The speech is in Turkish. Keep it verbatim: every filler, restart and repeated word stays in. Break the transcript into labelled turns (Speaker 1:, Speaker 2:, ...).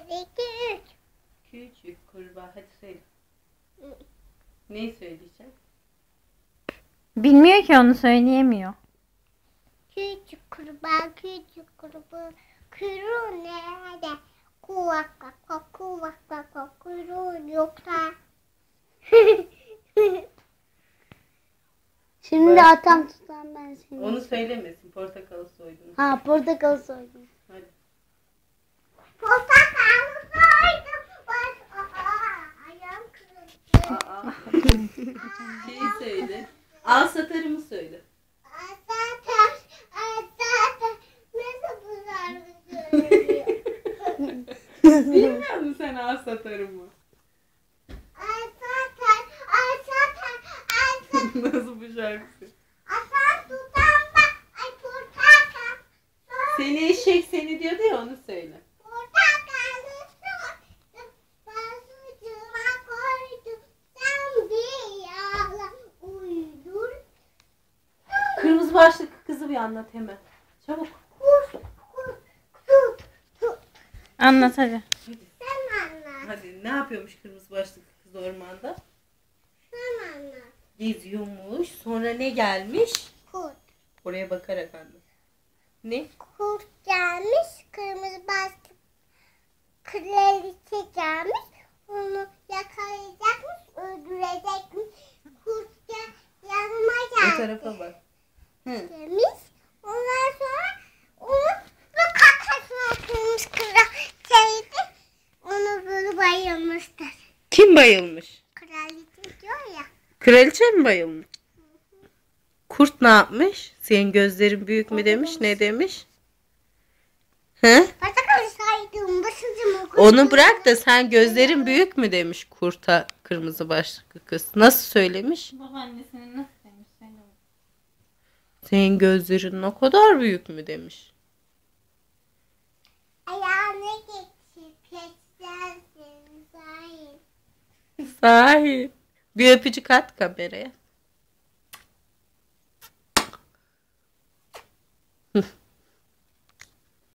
Speaker 1: iki, üç.
Speaker 2: Küçük kurbağa. Hadi söyle. Neyi söyleyeceğim?
Speaker 3: Bilmiyor ki, onu söyleyemiyor.
Speaker 1: Küçük kurbağa, küçük kurbağa. Kuyruğu nerede? Kuvak kaka, kuvak kaka, kuyruğu yoksa.
Speaker 4: Şimdi
Speaker 2: Başka?
Speaker 4: atam tutan ben seni.
Speaker 2: Onu söylemesin. Portakalı soydun.
Speaker 4: Ha, portakal soydum.
Speaker 2: Hadi.
Speaker 1: Portakalı soydum. Baş, aa, ayağım kırıldı.
Speaker 2: Aa. Şeyi söyle. Al satarımı söyle.
Speaker 1: Zaten, zaten nasıl bu şarkı söylüyor?
Speaker 2: Bilmiyor musun sen al satarımı?
Speaker 1: Zaten, zaten, zaten.
Speaker 2: Nasıl bu şarkısı?
Speaker 1: Asan tutan bak, ay portakal.
Speaker 2: Seni eşek seni diyordu ya, onu söyle.
Speaker 1: Portakalı soydum. Ben sucuğuma koydum. Sen bir yalan uydur.
Speaker 2: Kırmızı başlıklı kızı bir anlat hemen. Çabuk.
Speaker 1: Kus, kus, tut, tut.
Speaker 3: Anlat hadi.
Speaker 1: Sen anlat,
Speaker 2: Hadi, ne yapıyormuş kırmızı başlıklı kız ormanda?
Speaker 1: sen anlat.
Speaker 2: Geziyormuş. Sonra ne gelmiş?
Speaker 1: Kurt.
Speaker 2: Oraya bakarak anlat. Ne?
Speaker 1: Kurt gelmiş, kırmızı başlıklı kraliçe gelmiş. Onu yakalayacakmış, öldürecekmiş. Kurt gel, yanıma
Speaker 2: O
Speaker 1: geldi
Speaker 2: tarafa bak. Hı.
Speaker 1: demiş. Ondan sonra onu bu kakasına kırmış kraliçeydi. Onu böyle bayılmıştır.
Speaker 2: Kim bayılmış?
Speaker 1: Kraliçe diyor ya.
Speaker 2: Kraliçe mi bayılmış? Kurt ne yapmış? Senin gözlerin büyük mü demiş? Ne demiş? He?
Speaker 1: Portakalı saydım, başucuma
Speaker 2: Onu bırak da sen gözlerin büyük mü demiş kurta kırmızı başlıklı kız. Nasıl söylemiş?
Speaker 3: Babaannesinin nasıl demiş? Söyle.
Speaker 2: Senin gözlerin o kadar büyük mü demiş.
Speaker 1: ayağına geçip geçersin sahip.
Speaker 2: Sahi. Bir öpücük at kameraya.